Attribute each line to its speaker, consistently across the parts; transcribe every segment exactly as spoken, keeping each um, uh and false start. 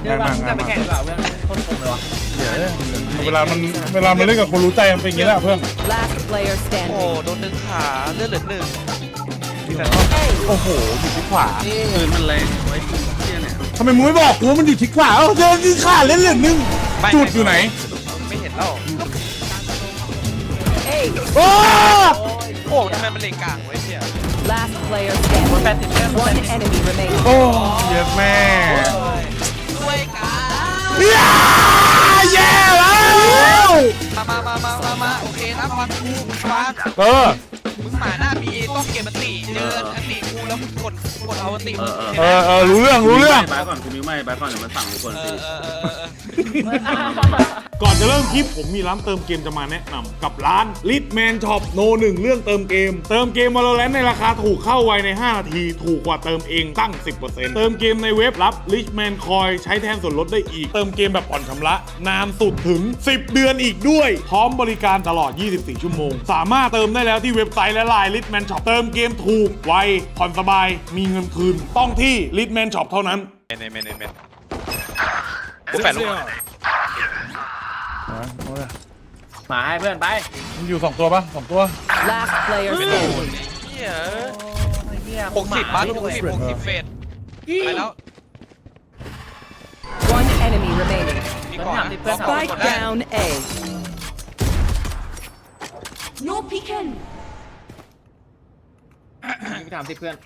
Speaker 1: เดี๋ยวจะไปแข่งดีกว่าเพื่อนโคตรคมเลยวะ
Speaker 2: เวลามันเวลามันเล่นกับคนรู้ใจมันเป็นอย่างนี้แหละเพื่อน
Speaker 3: Last player
Speaker 4: โอ้
Speaker 3: standing.
Speaker 4: โดนดึงขาเลือดเหลือหนึ่ง
Speaker 2: โอ้โหอยู่ที่ขวา
Speaker 5: ปืนมันแรงไว้เที่ยเนี่ย
Speaker 2: ทำไมมึงไม่บอกกูว่ามันอยู่ที่ขวาเอ้าเจอที่ขาเล่นเหลือนึงจุดอยู่ไหน
Speaker 4: ไม่เห็นแล้ว
Speaker 3: Hey,
Speaker 2: โอ้
Speaker 4: โอ้ทำไมมันเลงกลางไว้เชี่ย
Speaker 3: last player
Speaker 1: แปด
Speaker 3: standing.
Speaker 1: สิบเพื่อน
Speaker 3: One enemy remaining.
Speaker 2: โอ้เยอะแม่
Speaker 4: ช่วยกัน
Speaker 2: เย้แย่แล้ว
Speaker 4: มามามามามามาโอเคนะฟังกูฟัง
Speaker 2: เออ
Speaker 4: มึงหมาหน้าบีเอต้องเก็บอันติเจออันติกูแล้วกดกดเอาอันติ
Speaker 5: เออเออ
Speaker 2: เออเออรู้เรื่องรู้เรื่อง
Speaker 5: บายก่อนคุณมิ้วไม่บายก่อนเดี๋ยวมันสั่งทุกคน
Speaker 4: เอ
Speaker 5: สิ
Speaker 4: อเออเออเออ
Speaker 2: ก่อนจะเริ่มคลิปผมมีร้านเติมเกมจะมาแนะนำกับร้าน Litman Shop โนหนึ่งเรื่องเติมเกม เติมเกม Valorant ในราคาถูกเข้าไวในห้านาทีถูกกว่าเติมเองตั้ง สิบเปอร์เซ็นต์ เติมเกมในเว็บรับ Litman Coin ใช้แทนส่วนลดได้อีก เติมเกมแบบผ่อนชำระนานสุดถึงสิบเดือนอีกด้วย พร้อมบริการตลอดยี่สิบสี่ชั่วโมงสามารถเติมได้แล้วที่เว็บไซต์และ ไลน์ Litman Shop เติมเกมถูกไวผ่อนสบายมีเงินคืนต้องที่ Litman Shop เท่านั้น
Speaker 4: เมนเมนเมนกูแปดลูก
Speaker 1: หมาให้เพื่อนไป
Speaker 2: มันอยู่สองตัวปะสองตัว
Speaker 3: Last player
Speaker 4: เป็น
Speaker 3: standing.
Speaker 4: โดนเฮียหกสิบบ้านหกสิบหกสิบเฟสไปแล้ว
Speaker 3: One enemy remaining.
Speaker 4: มีก่อนนะ
Speaker 3: Spike down A.
Speaker 6: No peeking.
Speaker 1: ไปถามสิเพื่อน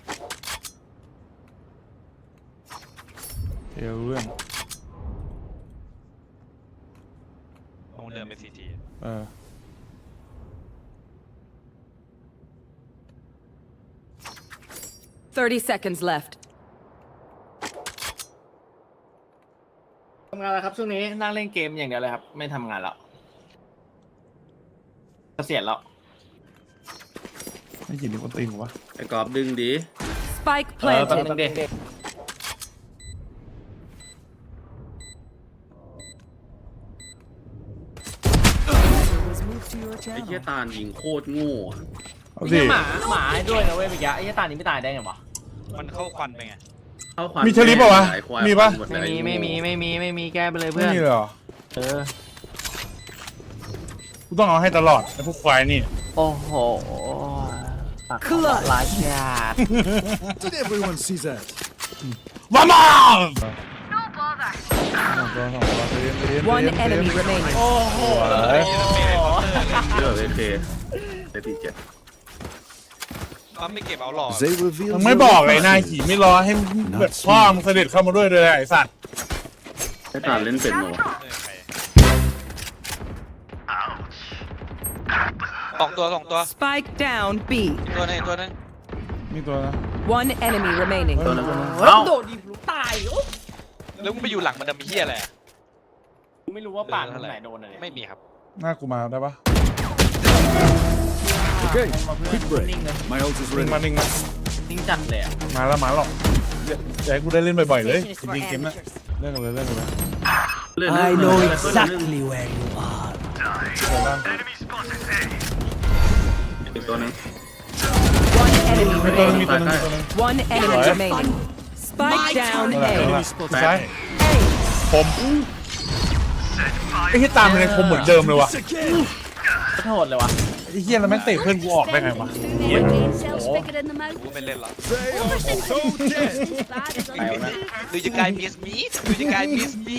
Speaker 2: เดี๋ยวรู้เรื่อง
Speaker 4: ลงเดินไปซีที
Speaker 2: เออ
Speaker 3: Thirty seconds left.
Speaker 1: ทำงานแล้วครับช่วงนี้นั่งเล่นเกมอย่างเดียวเลยครับไม่ทำงานแล้วเกษียณแล้ว
Speaker 2: ไม่ยินดีคนตีหัว
Speaker 5: ไอ้กรอบดึงดี
Speaker 3: Spike
Speaker 1: เออแป๊บ
Speaker 3: planted.
Speaker 1: นึงดิ
Speaker 5: ไอ้เที่ยตาลยิงโคตรโง่อะ
Speaker 2: เอา
Speaker 1: ไอ้
Speaker 2: สิ
Speaker 1: เหี้ยหมาหมาให้ด้วยนะเว้ยเมื่อกี้ไอ้เหี้ยตานี้ไม่ตายได้ไงวะ
Speaker 4: มันเข้าควันไปไง
Speaker 5: เข้าควัน
Speaker 2: มีเชลิปเปล่าวะ
Speaker 5: ไอ้ควาย
Speaker 2: มีปะ
Speaker 5: หดเล
Speaker 1: ไม่
Speaker 5: ย
Speaker 1: มีไม่มีไม่มีไม่มีแก้ไปเลย
Speaker 2: ไม่
Speaker 1: เพื่อน
Speaker 2: มีเลยเหรอ
Speaker 1: เออ
Speaker 2: กูต้องเอาให้ตลอดไอ้พวกควายนี่
Speaker 1: โอ้โหปากเขาลายชาด
Speaker 7: Did everyone see that?
Speaker 2: มามา
Speaker 3: One enemy remaining.
Speaker 1: โอ้โห
Speaker 5: เลือกเลยเคเซตีเจ็ด
Speaker 4: มันไม่เก็บเอาหลอด
Speaker 7: They revealed
Speaker 2: มึงไม่
Speaker 7: your
Speaker 2: บอกเลยนาย
Speaker 7: identity.
Speaker 2: ขี่ไม่รอให้แบบพ่อมึงเสด็จเข้ามาด้วยเลยไอ้สัตว์
Speaker 5: ไอ้ตาลเล่นเป็นโน
Speaker 4: สองตัวสองตัว
Speaker 3: Spike down B.
Speaker 4: ตัวนึงตัวนึง
Speaker 2: มีตัวนะ
Speaker 3: One enemy remaining.
Speaker 5: ตัวนั้น
Speaker 1: เฮ้ย
Speaker 5: เอ้า
Speaker 1: โดดดิบลูกตายโอ้
Speaker 4: แล้วมึงไปอยู่หลังมันดำเฮียอะไร
Speaker 1: กูไม่รู้ว่าป่านตรงไหนโดนอะไร
Speaker 4: ไม่มีครับ
Speaker 2: หน้ากูมาได้ปะ
Speaker 7: Okay, quick
Speaker 1: นิ่ง
Speaker 7: break.
Speaker 1: เลย
Speaker 7: My ult is
Speaker 2: นิ่ง
Speaker 7: ready.
Speaker 2: มานิ่งมา
Speaker 1: นิ่งจัดเลยอะ
Speaker 2: มาแล้วมาหรอกเดี๋ยวอยากให้กูได้เล่นบ่อยๆเลยจริงๆเกมน่ะเล่นกันเลยเล่นกันเลย
Speaker 5: เลื่อน I know exactly
Speaker 7: where you are.
Speaker 5: อีกตัวหนึง
Speaker 3: One enemy
Speaker 2: มีตัวนึง
Speaker 3: remaining.
Speaker 2: มีตัวนึงมีตัวนึง
Speaker 3: One enemy
Speaker 2: Right.
Speaker 3: remaining. Spike down
Speaker 2: นั่นแหละนั่นแหละ
Speaker 3: A.
Speaker 2: ซ้ายผมไอ้ที่ตามมันเลยคมเหมือนเดิมเลยวะ
Speaker 1: โหดเลยวะ
Speaker 2: ไอ้เหี้ยแล้วแม่งเตะเพื่อนกูออกได้ไงวะ
Speaker 6: Brain cells bigger in the mouth.
Speaker 4: กูไม่เล่นหรอก
Speaker 7: They are so dead.
Speaker 6: Bad as
Speaker 5: ไปแล้วนะ
Speaker 4: ดูจะกลายพีเอสบีดูจะกลายพีเอสบี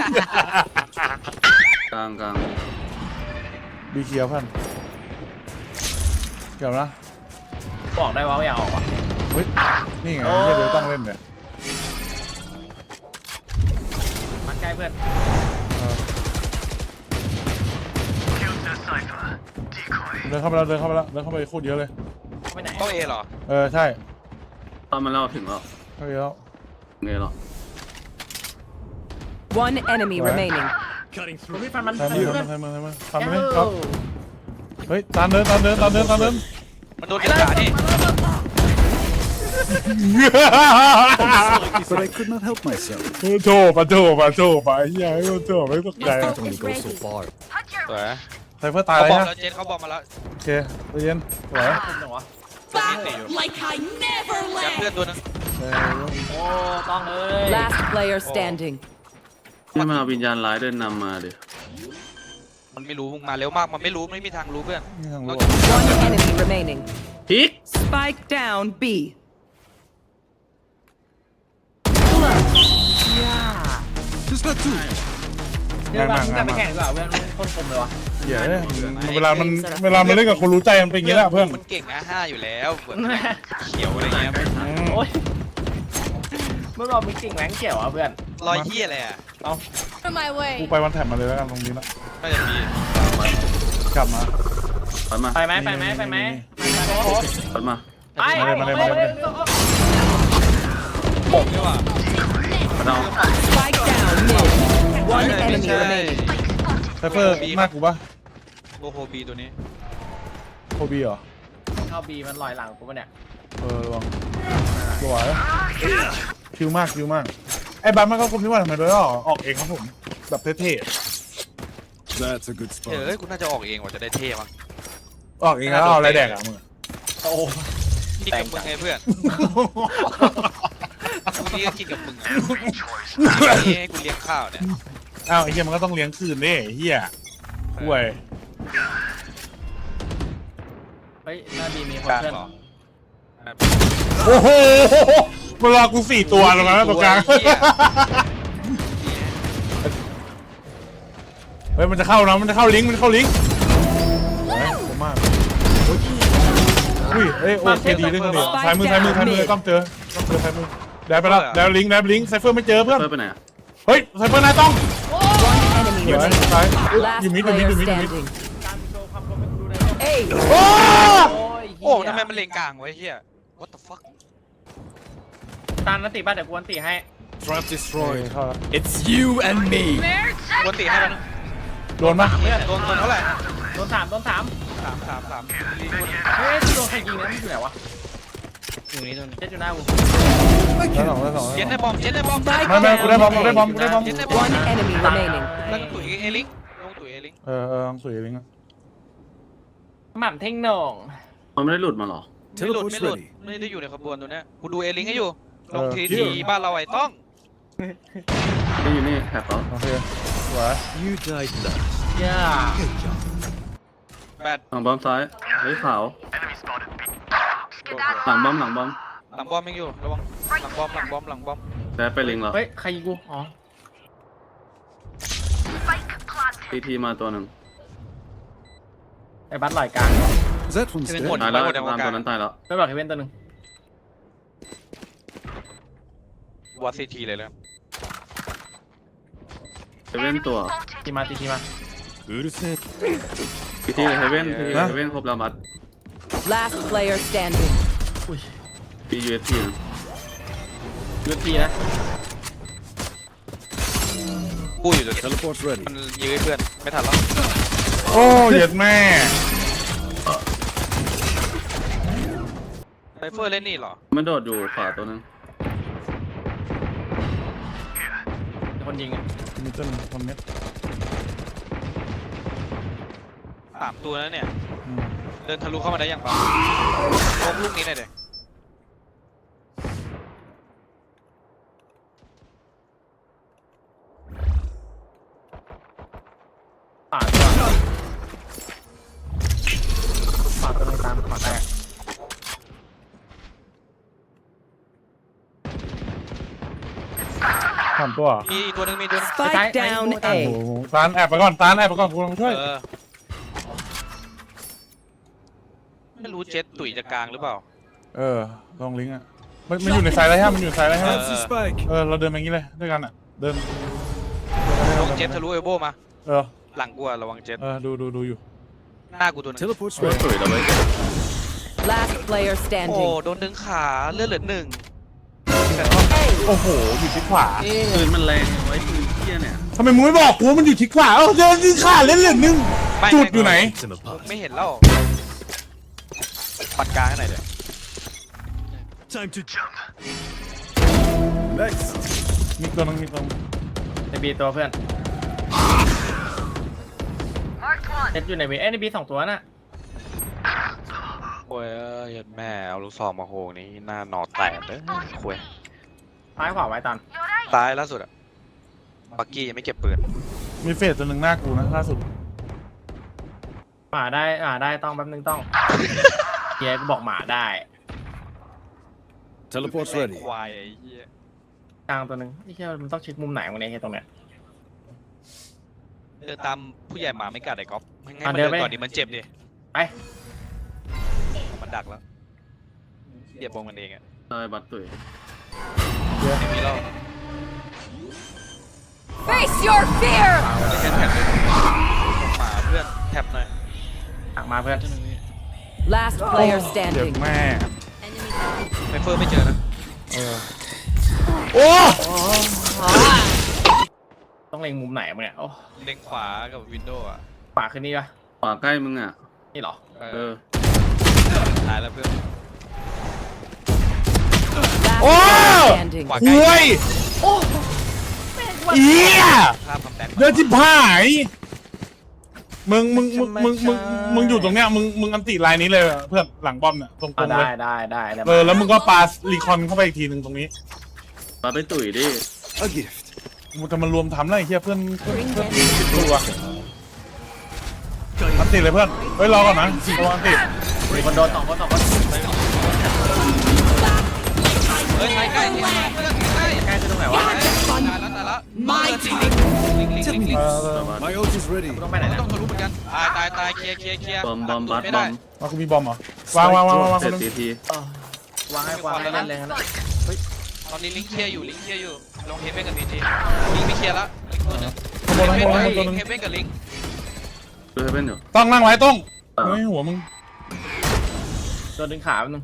Speaker 5: กลางกลาง
Speaker 2: บีเคียวเพื่อนเกี่ยวนะ
Speaker 1: บอกได้ว่าไม่อยากออกวะ
Speaker 2: เฮ้ยนี่ไงเหี้ยเดี๋ยวต้องเล่นเนี่ย
Speaker 1: มันใกล้เพื่อน
Speaker 2: เดินเข้าไปแล้วเดินเข้าไปแล้วเดินเข้าไปโคตรเยอะเลย
Speaker 1: ไปไหน
Speaker 4: ต้องเอเหรอ
Speaker 2: เออใช่
Speaker 5: ตอนมันเล่าถึงแล้ว
Speaker 2: เข้าไปแล้ว
Speaker 5: ไงหรอ
Speaker 3: One enemy
Speaker 2: Right.
Speaker 3: remaining.
Speaker 7: Cutting
Speaker 1: ผม
Speaker 7: through.
Speaker 1: พี่ฟันมัน
Speaker 2: ใช่
Speaker 1: เพื่
Speaker 2: มือ
Speaker 1: อน
Speaker 2: ใช่มือใช่มือทำ
Speaker 1: เอ้
Speaker 2: ไปเลยครับ
Speaker 1: า
Speaker 2: เฮ้ยตามเดินตามเดินตามเดินตามเดิน
Speaker 4: มันโดนดึงขาดิ
Speaker 7: But I could not help myself.
Speaker 2: โถปะโถปะโถปะไอ้เหี้ยไอ้โถไม่ตกใจ
Speaker 7: It only goes so far.
Speaker 4: สวย
Speaker 2: ไซเฟอร์ตาย
Speaker 4: เขา
Speaker 2: เลย
Speaker 4: บอม
Speaker 2: นะ
Speaker 4: แล้วเจนเขาบอมมาแล้ว
Speaker 2: โอเคใจเย็นสวย
Speaker 1: ผมเหรอวะ
Speaker 6: like I never
Speaker 4: ยัด
Speaker 6: left.
Speaker 4: เพื่อนตัวนึง
Speaker 2: เออ
Speaker 1: โอ้ต้องเลย
Speaker 3: Last player standing.
Speaker 5: นี่มันเอาวิญญาณร้ายเดินนำมาดิ
Speaker 4: มันไม่รู้มึงมาเร็วมากมันไม่รู้ไม่มีทางรู้เพื่อน
Speaker 7: นี่ทางโลก
Speaker 3: One enemy remaining.
Speaker 5: พิก
Speaker 3: Spike down B.
Speaker 7: Just got two.
Speaker 1: เดี๋ยวเราจะไปแข่งดีกว่าเพื่อนโคตรคมเลยวะ
Speaker 2: เหี้ยเวลามันเวลามันเล่นกับคนรู้ใจมันเป็นอย่างนี้แหละเพื่อน
Speaker 4: มันเก่งนะห้าอยู่แล้วเหมือนเขียวอะไรเงี้ย
Speaker 2: อืม
Speaker 1: โอ๊ยเมื่อเรามีกิ่งแหวงเกี่ยวอ่ะเพื่อน
Speaker 4: รอยเหี้ยอะไรอ่ะ
Speaker 6: On my way.
Speaker 2: กูไปวันแถบมาเลยแล้วกันตรงนี้ละ
Speaker 4: น่าจะมี
Speaker 2: กลับมา
Speaker 5: ถอยมา
Speaker 1: ไปไหมไปไหมไปไหม
Speaker 5: ถอยมา
Speaker 1: ไปไปไป
Speaker 4: ผมดีกว่า
Speaker 5: มาเอา
Speaker 3: Spike down mid. One enemy
Speaker 4: ใช่
Speaker 3: remaining.
Speaker 2: ไซเฟอร์มากกูปะ
Speaker 4: โลโฮบีตัวนี้
Speaker 2: โคบีเหรอ
Speaker 1: เข้าบีมันลอยหลังกูปะเนี่ย
Speaker 2: เออระวังสวยคิวมากคิวมากไอ้บัมมันก็คุมที่ว่าทำไมด้วยออกออกเองครับผมแบบเท่
Speaker 7: That's a good
Speaker 4: เฮ้ย
Speaker 7: spot.
Speaker 4: กูน่าจะออกเองว่าจะได้เท่มั้ง
Speaker 2: ๆออกเองแล้วเอาอะไรแดกอ่ะมึง
Speaker 1: โอ้
Speaker 4: กินกับมึงไงเพื่อนกูนี่ก็กินกับมึงอ่ะนี่ให้กูเลี้ยงข้าวเนี่ย
Speaker 2: อ้าวไอ้เหี้ยมันก็ต้องเลี้ยงคืนดิไอ้เหี้ยห่วย
Speaker 1: เฮ้ยหน้าบีมีคน
Speaker 4: กลาง
Speaker 1: เพื่อน
Speaker 4: เหรอ
Speaker 2: โอ้โหมันรอกูสี่ตัวตรงนั้นนะตรงกลางเฮ้ยมันจะเข้านะมันจะเข้าลิงก์มันจะเข้าลิงก์โอ้ยผมมากอุ้ยเอ้ยโอเคดีด้วยกันดิซ้ายมือซ้ายมือซ้ายมือต้องเจอต้องเจอซ้ายมือได้ไปแล้วได้ลิงก์ได้ลิงก์ไซเฟอร์ไม่เจอเพื่อน
Speaker 5: เพิ่มไปไหนอะ
Speaker 2: เฮ้ยไซเฟอร์นายต้อง
Speaker 3: One enemy
Speaker 2: เดี๋ยว
Speaker 3: remaining.
Speaker 2: ซ้าย
Speaker 3: Last
Speaker 2: อยู่มิดอยู่มิด
Speaker 3: player
Speaker 2: อยู่มิดอยู่มิด
Speaker 3: standing.
Speaker 1: เอ้ย
Speaker 3: A.
Speaker 2: โอ้
Speaker 4: โอ้ทำไมมันเลงกลางไว้เฮีย what the fuck
Speaker 1: ตานนันติบ้านเดี๋ยวกวนติให้
Speaker 7: Trap
Speaker 2: ย
Speaker 7: destroyed.
Speaker 2: เข้าแล้ว
Speaker 7: It's you and me.
Speaker 4: กวนตีให้มัน
Speaker 2: โดนปะ
Speaker 1: เพื่อน
Speaker 4: โดนโดนเท่าไหร่
Speaker 1: โดนสามโดนสาม
Speaker 4: สามสามสามรีบ
Speaker 1: เฮ้ยโดนใครยิงนะมันอยู่ไหนวะอยู่นี่โดนเจ็ดอยู่หน้ากู
Speaker 2: ได้สองได้สอง
Speaker 4: เย็นได้บอมเย็นได้บอม
Speaker 2: ไม่ไม่กูได้บอมกูได้บอมกูได้บอม
Speaker 4: เย็นได้บอม
Speaker 3: One enemy remaining.
Speaker 4: แล้วก็ตุ๋ยเอลิงลงตุ๋ยเอลิง
Speaker 2: เออเออลองสวยลิงก์อะ
Speaker 1: หม่ำเท่งโหน่ง
Speaker 5: มันไม่ได้หลุดมาหรอ
Speaker 4: ไม่หลุด
Speaker 7: Teleport's
Speaker 4: ไม่หลุด
Speaker 7: ready.
Speaker 4: ไม่ได้อยู่ในขบวนตัวเนี้ยกูดูเอลิงให้อยู่
Speaker 2: เออ
Speaker 4: ลงทีทีบ้านเราไอ้ต้อง
Speaker 5: นี่อยู่นี่แถบเขา
Speaker 2: โอเคสวย
Speaker 7: You died last.
Speaker 1: ย่า
Speaker 7: Good job.
Speaker 4: แปด
Speaker 5: หลังบอมซ้ายเฮ้ยขาวหลังบอมหลังบอม
Speaker 4: หลังบอมยังอยู่ระวังหลังบอมหลังบอมหลังบอม
Speaker 5: แต่ไปลิงเหรอ
Speaker 1: เฮ้ยใครยิงกูอ๋อ
Speaker 5: ทีทีมาตัวหนึ่ง
Speaker 1: ไอ้บัสลอยกลาง
Speaker 7: That one's dead.
Speaker 5: ตายแล้วตามตัวนั้นตายแล้ว
Speaker 1: ไม่บอกเฮเว่นตัวหนึ่ง
Speaker 4: วัดซีทีเลยเลย
Speaker 5: เฮเว่นตัว
Speaker 1: ทีมาทีทีมา
Speaker 7: うるせえ。
Speaker 5: ทีทีเฮเว่นทีทีเฮเว่นครบแล้วมัด
Speaker 3: Last player standing.
Speaker 5: ปียูเอสทีนะ
Speaker 1: ยูทีนะ
Speaker 4: กูอยู่ตัวนี้
Speaker 7: Teleport's ready.
Speaker 4: มันยื้อเพื่อนไม่ทันแล้ว
Speaker 2: โอ้เหยียดแม่
Speaker 4: ไซเฟอร์เล่นนี่เหรอ
Speaker 5: มันโดดอยู่ขวาตัวนึง
Speaker 1: คนยิงอ่ะ
Speaker 2: มิดเดิลคนเม็ด
Speaker 4: สามตัวแล้วเนี่ย
Speaker 2: อืม
Speaker 4: เดินทะลุเข้ามาได้ยังปะลงลูกนี้หน่อยเด็ก
Speaker 1: ป่าตัวป่าตัวนึงตามป่าแตก
Speaker 2: สามตัวเหรอ
Speaker 4: มีอีกตัวหนึงมีตัวหนึง
Speaker 3: Spike down
Speaker 2: โอ้
Speaker 3: A.
Speaker 2: โหตานแอบไปก่อนตานแอบไปก่อนกูลองช่วย
Speaker 4: เออไม่รู้เจ็ตตุ๋ยจะกลางหรือเปล่า
Speaker 2: เออลองลิงก์อ่ะมันมันอยู่ในสายอะไรฮะมันอยู่ในสายอะไรฮะ
Speaker 7: That's the spike.
Speaker 2: เออเราเดินไปอย่างนี้เลยด้วยกันอ่ะเดิน
Speaker 4: ลงเจ็ตทะลุเอลโบมา
Speaker 2: เออ
Speaker 4: หลังกูอะระวังเจ็ต
Speaker 2: เออดูดูดูอยู่
Speaker 4: หน้ากูตัวหนึง
Speaker 7: Teleport's
Speaker 5: เฮ้ย
Speaker 7: ready.
Speaker 5: สวยแล้วเว้ย
Speaker 3: Last player
Speaker 4: โอ้
Speaker 3: standing.
Speaker 4: โดนดึงขาเลือดเหลือหนึ่ง
Speaker 2: โอ้โหอยู่ที่ขวา
Speaker 5: ปืนมันแรงไว้ปืนเที่ยเนี่ย
Speaker 2: ทำไมมึงไม่บอกกูว่ามันอยู่ที่ขวาเออเดินที่ขาเล่นเหลือนึง
Speaker 4: ไม่
Speaker 2: จุดอยู่ไหน
Speaker 7: It's in the past.
Speaker 4: ไม่เห็นแล้วปัดกลางให้หน่อยเดี๋ยว
Speaker 7: Time to jump. Next.
Speaker 2: มีตัวนึงมีตัวนึง
Speaker 1: ในบีตัวเพื่อนเจ็ดอยู่ในบีเอ้ยในบีสองตัวน่ะ
Speaker 4: โอ้ยเอ้ยยัดแม่เอาลูกซองมาโหงนี่หน้าหนอแตกเลยคุย
Speaker 1: ซ้ายขวาไว้ตัน
Speaker 4: ตายล่าสุดอะบักกี้ยังไม่เก็บปืน
Speaker 2: มีเฟสตัวหนึ่งหน้ากูนะล่าสุด
Speaker 1: หมาได้อ่าได้ต้องแป๊บนึงต้องเฮียก็บอกหมาได้
Speaker 7: Teleport's
Speaker 4: แม่ง
Speaker 7: ready.
Speaker 4: ควายไอ้เหี้ย
Speaker 1: กลางตัวหนึงไอ้เฮียมันต้องเช็คมุมไหนวะเนี่ยเฮียตรงเนี้ย
Speaker 4: เดินตามผู้ใหญ่หมาไม่กัดไอ้ก๊อฟให้
Speaker 1: อ่ะ
Speaker 4: มัน
Speaker 1: เดิ
Speaker 4: เดิ
Speaker 1: น
Speaker 4: น
Speaker 1: ไป
Speaker 4: ก่อนดิมันเจ็บดิ
Speaker 1: ไป
Speaker 4: มันดักแล้วเหยียบวงมันเองอะ
Speaker 5: เอ้ยบัตรตุ๋ย
Speaker 4: ไม่มีแล้ว
Speaker 3: Face your fear!
Speaker 4: แค่แท็บเลยหมาเพื่อนแท็บหน่อย
Speaker 1: ตักมาเพื่อน
Speaker 3: Last player
Speaker 2: เจ็บ
Speaker 3: standing.
Speaker 2: แม่
Speaker 4: ไมเฟอร์ไม่เจอนะ
Speaker 2: โอ้
Speaker 1: ต้องเล็งมุมไหนมั้งเนี่ยโอ้
Speaker 4: เล็งขวากับวินโดว์อะ
Speaker 1: ขวาขึ้นนี่ปะ
Speaker 5: ขวาใกล้มึงอ่ะ
Speaker 1: นี่เหรอ
Speaker 4: เอ
Speaker 5: เอ
Speaker 4: อ
Speaker 5: อ
Speaker 4: ตายแล้วเพื่อน
Speaker 3: Last
Speaker 2: Oh!
Speaker 3: player standing.
Speaker 4: ขวา
Speaker 2: ห่วยเอี้ย
Speaker 4: ข้ามคำแตก
Speaker 2: เดือดจิบหายมึงมึงมึงมึงมึงมึงอยู่ตรงเนี้ยมึงมึงอันติไลน์นี้เลยเพื่อนหลังบอมเนี่ยตรง
Speaker 1: อ่า
Speaker 2: ๆเล
Speaker 1: ได้
Speaker 2: ย
Speaker 1: ได้ได้ได้
Speaker 2: เออแล้วมึงก็ปารีคอนเข้าไปอีกทีหนึ่งตรงนี้
Speaker 5: บัตรไปตุ๋ยดิ
Speaker 7: A gift.
Speaker 2: มึงจะมารวมทำอะไรเฮียเพื่อนเพื่อนเพื่อนสิบตัวอันติเลยเพื่อนเฮ้ยรอก่อนนะรออันติ
Speaker 1: มีคนโดนสองคนสองคน
Speaker 4: เฮ้ยใกล้ใกล้ใกล้เพื่อนใกล้
Speaker 1: ใกล้จะตรงไหนวะ
Speaker 4: ตายแล้วตายแล้ว
Speaker 6: My
Speaker 4: ลิงลิงลิงลิง
Speaker 2: เออเออ
Speaker 7: My ult is ready.
Speaker 1: ต้องไปไหน
Speaker 4: ไม่
Speaker 1: นะ
Speaker 4: ต้องทะลุเหมือนกันตายตายตายเคลียร์เคลียร์เคลียร์
Speaker 5: บอมบอมบัตร
Speaker 4: ไม่
Speaker 5: บ
Speaker 4: ได้
Speaker 5: อม
Speaker 2: มากูมีบอมเหรอวางวางวางวางวาง
Speaker 5: เส
Speaker 2: ค
Speaker 5: ร็
Speaker 2: น
Speaker 5: จ
Speaker 2: หนึง
Speaker 5: ทีที
Speaker 1: เออวางให้วางให้เล่นเลยนะ
Speaker 4: ตอนนี้ลิงเคลียร์อยู่ลิงเคลียร์อยู่ลงเฮเว่นกับพีจีลิงไม่เคลียร์ละลิงตัวหนึง
Speaker 2: ข้างบน
Speaker 4: เฮ
Speaker 2: ข้างบน
Speaker 4: เว่น
Speaker 2: ข้างบนตัวหนึง
Speaker 4: เฮเว่นกับลิง
Speaker 5: ดูให้เป็นอยู่
Speaker 2: ต้องนั่งไว้ต้องเฮ้ยหัวมึง
Speaker 1: ตัวดึงขาแป๊บนึง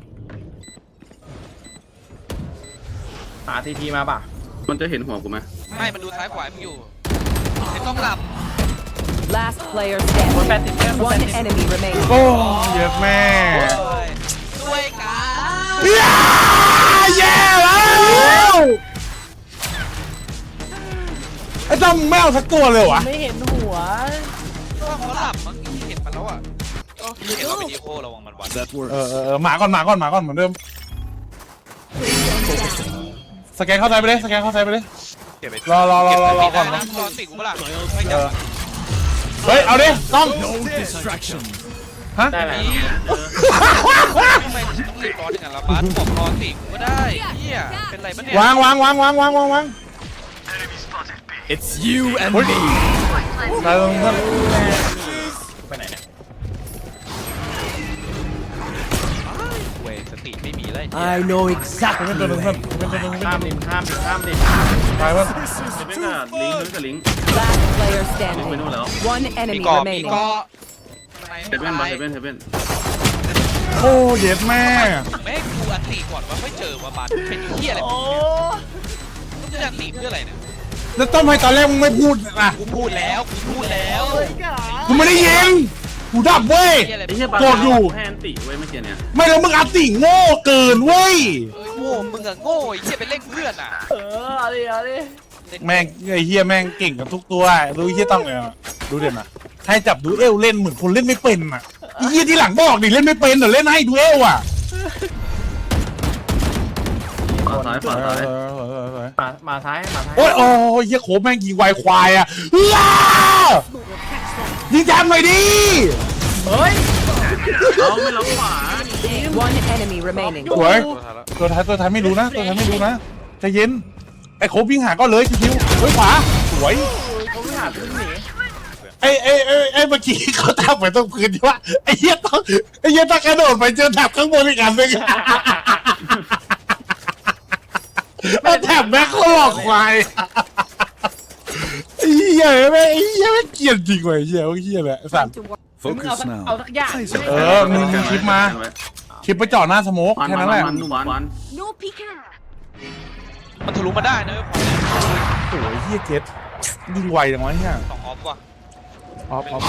Speaker 1: หาทีทีมาป่ะ
Speaker 5: มันจะเห็นหัวกูไหม
Speaker 4: ไม่มันดูซ้ายขวามึงอยู่ไม่ต้องหลับ
Speaker 3: Last player
Speaker 1: คนแปด
Speaker 3: standing.
Speaker 1: สิบเพื่อนคนแป
Speaker 3: One
Speaker 1: ดสิบ
Speaker 3: enemy remaining.
Speaker 2: โอ้เย็ดแม่
Speaker 4: ด้วยกัน
Speaker 2: เหี้ยแย่แล้วไอ้ต้อมแมวสักตัวเลยวะ
Speaker 1: ไม่เห็นหัว
Speaker 4: ก็เขาหลับมั้งเห็นมันแล้วอ่ะเห็นเราเป็นอีโคระวังมันวัน
Speaker 7: That
Speaker 2: เอ
Speaker 7: works.
Speaker 2: อเออเออหมาก่อนหมาก่อนหมาก่อนเหมือนเดิมสแกนเข้าใจไปเลยสแกนเข้าใจไปเลย
Speaker 4: เก็บไป
Speaker 2: รอรอรอรอรอก่อน
Speaker 4: นะรอติกูเปล่าไม่จับ
Speaker 2: เฮ้ยเอาดิต้อง
Speaker 7: No distraction.
Speaker 2: ฮะ
Speaker 1: ได้ไหม
Speaker 4: นี่ทำไมต้องรีบร้อนอย่างนั้นละบัสบอกรอติกูก็ได้เฮียเป็นไรปะเนี่ยว
Speaker 2: างวางวางวางวางวางวาง
Speaker 7: It's you and
Speaker 2: เฮ้ย
Speaker 7: me.
Speaker 2: ตายตรงนั้น
Speaker 1: ไปไหนเนี่ย
Speaker 4: เว้ยสติไม่มีเลย
Speaker 7: I know
Speaker 2: เป็น
Speaker 7: exactly.
Speaker 2: ตัวหนึงเพื่อนเป็นตัวหนึง
Speaker 1: ข้ามดิข้ามดิข้ามดิ
Speaker 2: ตายเพื่อน
Speaker 5: เฮเว่นกับลิงก์เฮเว่นกับลิงก์
Speaker 3: Last player
Speaker 5: ลิงก์ไป
Speaker 3: standing.
Speaker 5: นู่นแล้ว
Speaker 3: One
Speaker 4: มี
Speaker 3: enemy
Speaker 4: เกาะมี
Speaker 3: remaining.
Speaker 4: เกาะ
Speaker 5: เฮเว่นบัตรเฮเว่นเฮเว่น
Speaker 2: โอ้เย็ดแม่
Speaker 4: แม่งกูอันตีก่อนว่าไม่เจอว่าบัสเป็นเฮียอะไรมึงเนี่ยมึงจะอันตีเพื่ออะไรเนี่ย
Speaker 2: แล้วต้อมให้ตอนแรกมึงไม่พูดอ่ะ
Speaker 4: กูพูดแล้วกูพูดแล้ว
Speaker 2: กูไม่ได้ยิงกูดับเว้ย
Speaker 4: เฮียอะไร
Speaker 5: ไอ้เหี้ยบัตร
Speaker 2: โกรธอยู่
Speaker 5: แฮนติเว้ยเมื่อกี้เนี่ย
Speaker 2: ไม่แล้วมึงอัดติโง่เกินเว้ย
Speaker 4: เอ้ยโง่มึงอะโง่ไอ้เฮียไปเล่นเพื่อนอ่ะ
Speaker 1: เออเอาดิเอาดิ
Speaker 2: แม่งไอ้เฮียแม่งเก่งกับทุกตัวดูไอ้เฮียต้องเลยอ่ะดูเด่นอ่ะให้จับดูเอลเล่นเหมือนคนเล่นไม่เป็นอ่ะไอ้เฮียที่หลังบอกดิเล่นไม่เป็นเดี๋ยวเล่นให้ดูเอลอ่ะ
Speaker 5: ขวาซ้ายขวาซ้าย
Speaker 1: มามาท้ายมาท้าย
Speaker 2: โอ้ยโอ้ยเฮียโคบแม่งยิงไวควายอ่ะว้ายิงแจมหน่อยดิ
Speaker 1: เฮ้ย
Speaker 5: เอาไม่ล็อกขวา
Speaker 3: One enemy remaining.
Speaker 2: สวยตัวท้ายตัวท้ายไม่รู้นะตัวท้ายไม่รู้นะใจเย็นไอ้โคบวิ่งหาก็เลยคิวๆเฮ้ยขวาสวย
Speaker 1: เขาไม่หาพึ่งหนี
Speaker 2: ไอ้ไอ้ไอ้ไอ้เมื่อกี้เขาทำไปตรงพื้นที่ว่าไอ้เหี้ยต้องไอ้เหี้ยต้องกระโดดไปเจอแถบข้างบนอีกอันหนึงไอ้แถบแม่งเขาหลอกควายไอ้เหี้ยแม่งไอ้เหี้ยแม่งเกลียดจริงว่ะไอ้เหี้ยไอ้เหี้ยแหละสัตว์
Speaker 1: มึงเอา
Speaker 7: Focus
Speaker 1: สัก
Speaker 7: now.
Speaker 1: เอาสักอย่าง
Speaker 7: Plays
Speaker 2: เอ
Speaker 7: it.
Speaker 2: อมึงมึงคลิปมาคลิปไปจ่อหน้าสโมก
Speaker 5: วัน
Speaker 2: แค่
Speaker 5: วั
Speaker 2: นั้น นแหละ
Speaker 5: วันวันวัน
Speaker 6: No peeking.
Speaker 4: มันทะลุมาได้นะเว้ย
Speaker 2: โอ้ยเหี้ยเจ็ดยิงไวจังวะเหี้ย
Speaker 4: สองออฟว่ะ
Speaker 2: ออฟออฟ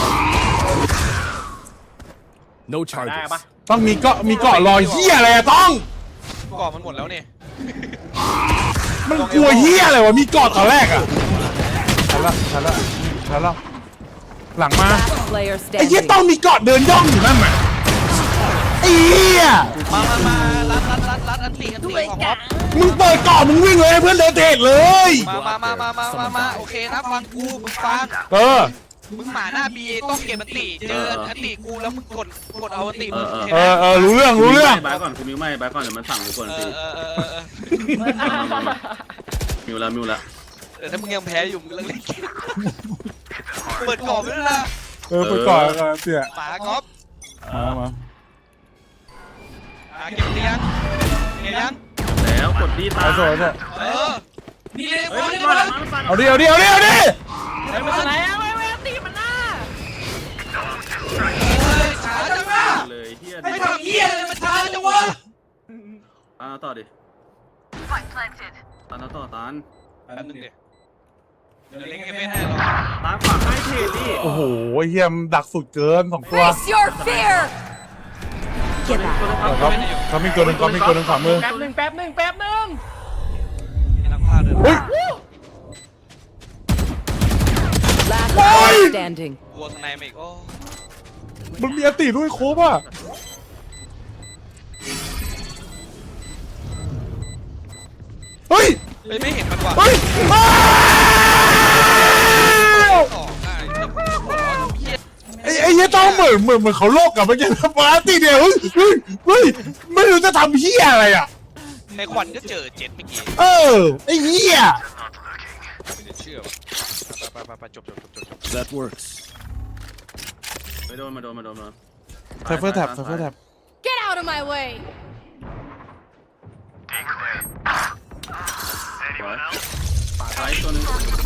Speaker 7: No
Speaker 1: ได้
Speaker 7: charges.
Speaker 1: ปะ
Speaker 2: ต้องมีเกาะมีเกาะลอยเหี้ยอะไรอะต้อง
Speaker 4: ก่อมันหมดแล้วนี่
Speaker 2: มันกลัวเหี้ยอะไรวะมีเกาะตอนแรกอะทันละทันละทันละหลังมา
Speaker 3: Last player
Speaker 2: ไอ้เหี้ย
Speaker 3: standing.
Speaker 2: ต้องมีเกาะเดินย่องอยู่นั่นน่ะไอ้เหี้ย
Speaker 4: มามามารัดรัดรัดรัดอันตีอันตีของอ๊อฟ
Speaker 2: มึงเปิดก่อนมึงวิ่งเลยเพื่อนเดินเทรดเลย
Speaker 4: มามามามามามามาโอเคนะฟังกูมึงฟัง
Speaker 2: เออ
Speaker 4: มึงหมาหน้าบีต้องเก็บอันตีเจออันตีกูแล้วมึงกดกดเอาอันตีมึง
Speaker 2: เออเออรู้เรื่องรู้เรื่อง
Speaker 5: บายก่อนคุณมิวไม่บายก่อนเดี๋ยวมันสั่งกูกวน
Speaker 4: เอ
Speaker 5: สิ
Speaker 4: อเออเออเออ
Speaker 5: มิวแล้วมิวแล้ว
Speaker 4: เออถ้ามึงยังแพ้อยู่มึงเลิกเล่นเกมเปิดกรอบไปด้วยนะ
Speaker 2: เออไปก่อนก่อนเสีย
Speaker 4: หมากอล์ฟ
Speaker 2: มามา
Speaker 4: อ่ะเก็บเตียงเก็บยัง
Speaker 5: แล้วกดดีตา
Speaker 2: เอาโซ่เอาโซ่
Speaker 4: เออนี่เลย
Speaker 5: เฮ้
Speaker 4: บ
Speaker 5: ย
Speaker 4: อล
Speaker 5: มัน
Speaker 4: นี่บอล
Speaker 5: มันมัน
Speaker 2: เอาดิเอาดิเอาดิเอาดิ
Speaker 1: เฮ้ยมันไหนอะเว้ยเว้ยตีมันหน้า
Speaker 4: ช้าจังวะ
Speaker 5: เลยเฮีย
Speaker 4: ไม่ทำเหี้ยเลยมันช้าจังวะ
Speaker 5: ตานต่อดิตานต่อตาน
Speaker 4: แป๊บนึงดิเดี๋ยวเล่นเกมไม่ให้หรอก
Speaker 5: ตาขวาให้เทดิ
Speaker 2: โอ้โหเฮียมนดักสุดเกินสองตัว
Speaker 3: Face your fear. Get back.
Speaker 2: ครับเขามีตัวหนึ่งเขามีตัวหนึ่งขวามือ
Speaker 1: แป๊บหนึ่งแป๊บหนึ่งแป๊บหนึ่ง
Speaker 4: ให้นักพากย์ด้วย
Speaker 2: เฮ้ย
Speaker 3: Last
Speaker 2: Why?
Speaker 3: player standing.
Speaker 4: กลัวข้างในมาอีกโอ้
Speaker 2: มันมีอติด้วยโคบอ่ะเฮ้ย
Speaker 4: เฮ้ยไม่เห็นมันว่ะ
Speaker 2: เฮ้ยอ้าว
Speaker 4: สองอ่ะไอ้หัวร้อนเหี้ย
Speaker 2: ไอ้ไอ้เหี้ยต้องเหมือนเหมือนเหมือนเขาโลกกับเมื่อกี้ปาร์ตี้เดียวเฮ้ยเฮ้ยเฮ้ยไม่รู้จะทำเหี้ยอะไรอ่ะ
Speaker 4: ในควันก็เจอเจ็ดเมื่อกี้
Speaker 2: เออไอ้เหี้ย
Speaker 4: ไม่ได้เชื่อว่ะไปไปไปไปจบจบจบจบจบ
Speaker 7: That works.
Speaker 5: ไปโดนมาโดนมาโดนมา
Speaker 2: ไซเฟอร์แท็บไซเฟอร์แท็บ
Speaker 6: Get out of my way.
Speaker 5: สวยป่าซ้ายตัวนึง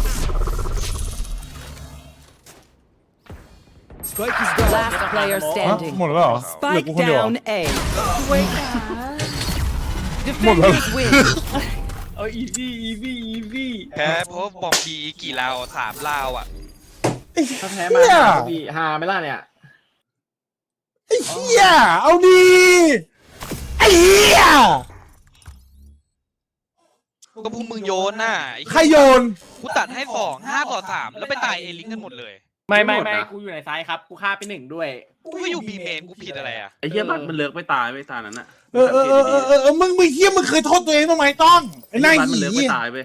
Speaker 7: Spike is down.
Speaker 3: Last player
Speaker 2: ฮะ
Speaker 3: standing.
Speaker 2: หมดแล้วเหรอเหลือ
Speaker 3: Spike
Speaker 2: กูคนเดียวเหรอ
Speaker 3: down A.
Speaker 6: Wake up.
Speaker 3: Defenders win.
Speaker 1: เอาอีซี่อีซี่อีซี่
Speaker 4: แพ้เพราะบอมบีกี่ลาวสามลาวอ่ะ
Speaker 1: ถ้าแพ้มาหาพี่หาไหม่ล่ะเนี่ย
Speaker 2: ไอ้เหี้ยเอาดีไอ้เหี้ย
Speaker 4: ก็พวกมึงโยนน่ะไอ้
Speaker 2: ใครโยน
Speaker 4: กูตัดให้สองห้าต่อสามแล้วไปตายเอลิงกันหมดเลย
Speaker 1: ไม่ไม่ไม่กูอยู่ในซ้ายครับกูฆ่าไปหนึ่งด้วย
Speaker 4: กูก็อยู่บีเมนกูผิดอะไรอ่ะ
Speaker 5: ไอ้เหี้ยบัตมันเลิกไม่ตายไม่ตายนั้นอ่ะ
Speaker 2: เออเออเออเออเออมึงมึงเหี้ยมึงเคยโทษตัวเองบ้างไหมต้องไอ้
Speaker 5: ไอ้
Speaker 2: นาย
Speaker 5: บัตมัน
Speaker 2: หี
Speaker 5: เลิกไม่ตายไป